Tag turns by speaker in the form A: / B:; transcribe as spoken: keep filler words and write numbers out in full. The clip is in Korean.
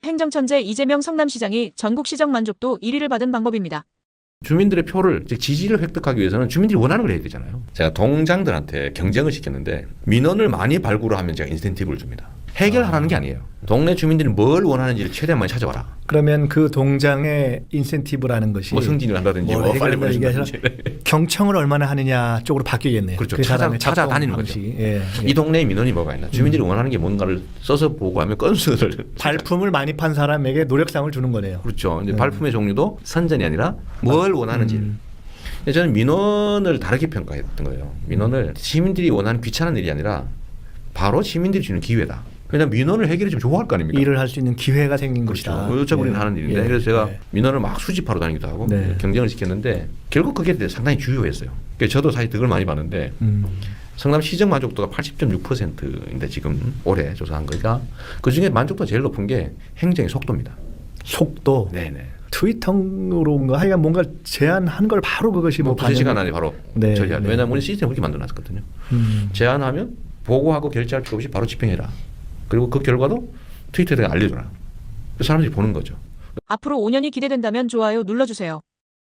A: 행정천재 이재명 성남시장이 전국시정 만족도 일 위를 받은 방법입니다.
B: 주민들의 표를, 즉 지지를 획득하기 위해서는 주민들이 원하는 걸 해야 되잖아요. 제가 동장들한테 경쟁을 시켰는데 민원을 많이 발굴을 하면 제가 인센티브를 줍니다. 해결하라는 게 아니에요. 동네 주민들이 뭘 원하는지를 최대한 많이 찾아와라.
C: 그러면 그 동장의 인센티브라는 것이
B: 뭐 승진을 한다든지 뭐 빨리 보내준다든지.
C: 경청을 얼마나 하느냐 쪽으로 바뀌겠네요.
B: 그렇죠.
C: 그
B: 찾아,
C: 사람의
B: 찾아다니는
C: 작동
B: 거죠.
C: 방식이. 예, 예.
B: 이 동네에 민원이 뭐가 있나. 주민들이
C: 음.
B: 원하는 게 뭔가를 써서 보고하면 건수를.
C: 발품을 많이 판 사람에게 노력상을 주는 거네요.
B: 그렇죠. 이제
C: 음.
B: 발품의 종류도 선전이 아니라 뭘 원하는지.
C: 음.
B: 저는 민원을 다르게 평가했던 거예요. 민원을 시민들이 원하는 귀찮은 일이 아니라 바로 시민들이 주는 기회다. 그냥 민원을 해결해 주면 좋아할 거 아닙니까?
C: 일을 할 수 있는 기회가 생긴
B: 그렇죠.
C: 것이다.
B: 어차피 우리는
C: 예.
B: 하는 일인데.
C: 예.
B: 그래서 제가
C: 예.
B: 민원을 막 수집하러 다니기도 하고
C: 네.
B: 경쟁을 시켰는데 결국 그게 상당히 주요했어요. 그러니까 저도 사실 득을 많이 봤는데
C: 음.
B: 성남 시정 만족도가 팔십 점 육 퍼센트인데 지금 올해 조사한 거가 그중에 만족도가 제일 높은 게 행정의 속도입니다.
C: 속도.
B: 네네.
C: 트위터로인가 하여간 뭔가 제안한 걸 바로 그것이 뭐
B: 뭐 두세 시간
C: 반영이-
B: 안에 바로
C: 네,
B: 처리할.
C: 네.
B: 왜냐하면 우리 시스템 그렇게 만들어놨거든요.
C: 음.
B: 제안하면 보고하고 결제할 것 없이 바로 집행해라. 그리고 그 결과도 트위터에 알려줘라. 사람들이 보는 거죠.
A: 앞으로 오 년이 기대된다면 좋아요 눌러주세요.